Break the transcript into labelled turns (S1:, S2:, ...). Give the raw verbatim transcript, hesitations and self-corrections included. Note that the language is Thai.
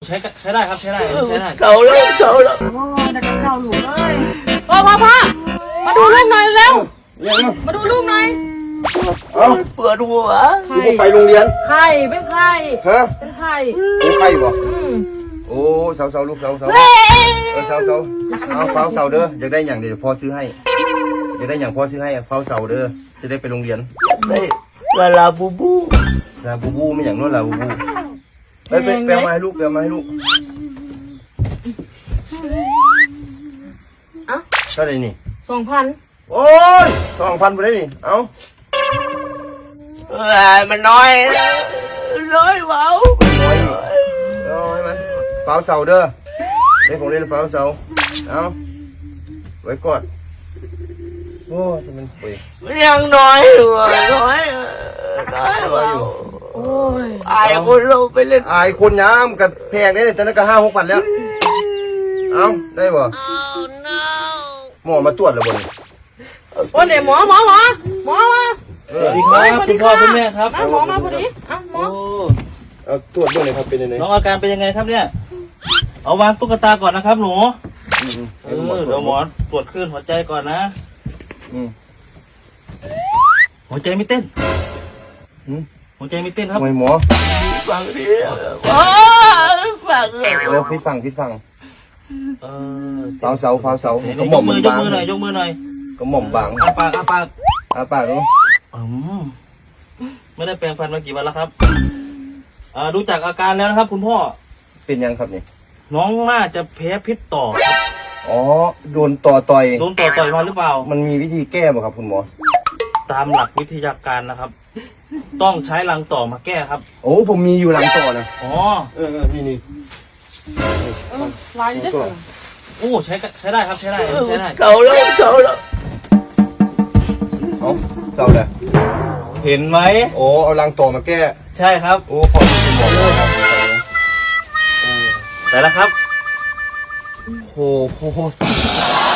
S1: ใช้ใช้ได้ครับใช้ได้ใช้ได้
S2: เสาแล้วเสาแล้ว
S3: โอ้ยแต่ก็เศร้าหลูกเลยพ่อพ่อพ่อมาดูลูกหน่อยเร็ว
S4: เรียกมา
S3: มาดูลูกหน่อย
S4: เอ้า
S2: ปวดหัว
S3: ไข่
S4: ลูกไปโรงเรียน
S3: ไข่เป็นไข่
S4: ฮะ
S3: เป็นไข่
S4: โอ้ไข่บ่
S3: อืม
S4: โอ้เสาเสาลูกเสาเสาเออเสาเสาเอาเฝ้าเสาเด้ออยากได้อย่างเดี๋ยวพ่อซื้อให้อยากได้อย่างพ่อซื้อให้เฝ้าเสาเด้อจะได้ไปโรงเรียน
S2: ได้ลาลาบูบู
S4: ลาบูบูไม่อย่างนู้นลาบูบูไปไปแปลมาให้ลูกแปลมาให้ลูก
S3: เอ้า
S4: เท่าไหร่นี่
S3: สองพัน
S4: โอ้ยสองพันไปได้นี่เอา
S2: เอ้ยมันน้อยน้อยเบา
S4: เอาเอาให้มันเฝ้าเสาเด้อได้ของเล่นเฝ้าเสาเอาไว้กอดโอ้ยมันไป
S2: ยังน้อยอยู่อะน้อยน้อยเบาโอ้ยอายคนเราไปเล่น
S4: อายคนย้ำกับแพงได้เนี่ยตอนนั้นก็ห้าหกพันแล้ว เอาได้บ่หมอมาตรวจแล้วบ่นี่
S3: โอ้ยเดี๋ยวหมอหมอหมอหมอมา
S1: สวัสดีครับคุณพ่อคุณแม่ครับ
S3: อ่ะหมอมาพอดีอ่ะหมอ
S1: โอ้
S4: เอาตรวจด้วยหน่อยครับเป็นยังไง
S1: น้องอาการเป็นยังไงครับเนี่ยเอาวางตุ๊กตาก่อนนะครับหนู
S4: อืม
S1: เออเดี๋ยวหมอตรวจคลื่นหัวใจก่อนนะ
S4: อืม
S1: หัวใจไม่เต้น
S4: อืม
S1: หัวใจไม่เต้นครับ
S4: ทำไมหมอ
S2: ฟังดิว้าฟังเลย
S4: เออพี่ฟังพี่ฟัง
S1: เออ
S4: เสาเสาฟ้าเสา
S1: ไหน
S4: กระ
S1: ๆ
S4: ห
S1: ย
S4: ม่อก ม
S1: มื
S4: มั
S1: อน ยก
S4: บาง
S1: มือหน่อยยกมือหน่อย
S4: กระหม่อมบาง
S1: อาปากอาปาก
S4: อาปากเนาะ
S1: อืมไม่ได้แปรงฟันมากี่วันแล้วครับอ่าดูจากอาการแล้วนะครับ คุณพ่อ
S4: เป็นยังครับนี่
S1: น้องน่าจะแพ้พิษต่อครับ
S4: อ๋อโดนต่อต่อย
S1: โดนต่อต่อยมาหรือเปล่า
S4: มันมีวิธีแก้บ่ครับคุณหมอ
S1: ตามหลักวิทยาการนะครับ ต้องใช้รังต่อมาแก้ครับ
S4: โอ้ผมมีอยู่หลังต่อนะ
S1: อ๋อ
S4: เออเออนี่นี่
S3: เออลายเด็ด
S4: ก็
S1: โอ้ใช้ใช้ได้ครับใช้ได้ใช้ได้
S2: เสาแล้วเสาแล้ว
S4: เอาเสาเลย
S1: เห็นไหม
S4: โอ้เอาหลังต่อมาแก้
S1: ใช่ครับ
S4: โอ้ขอบคุณคุณหมอเลยครับเออ
S1: แต่ละครับ
S4: โอ้โห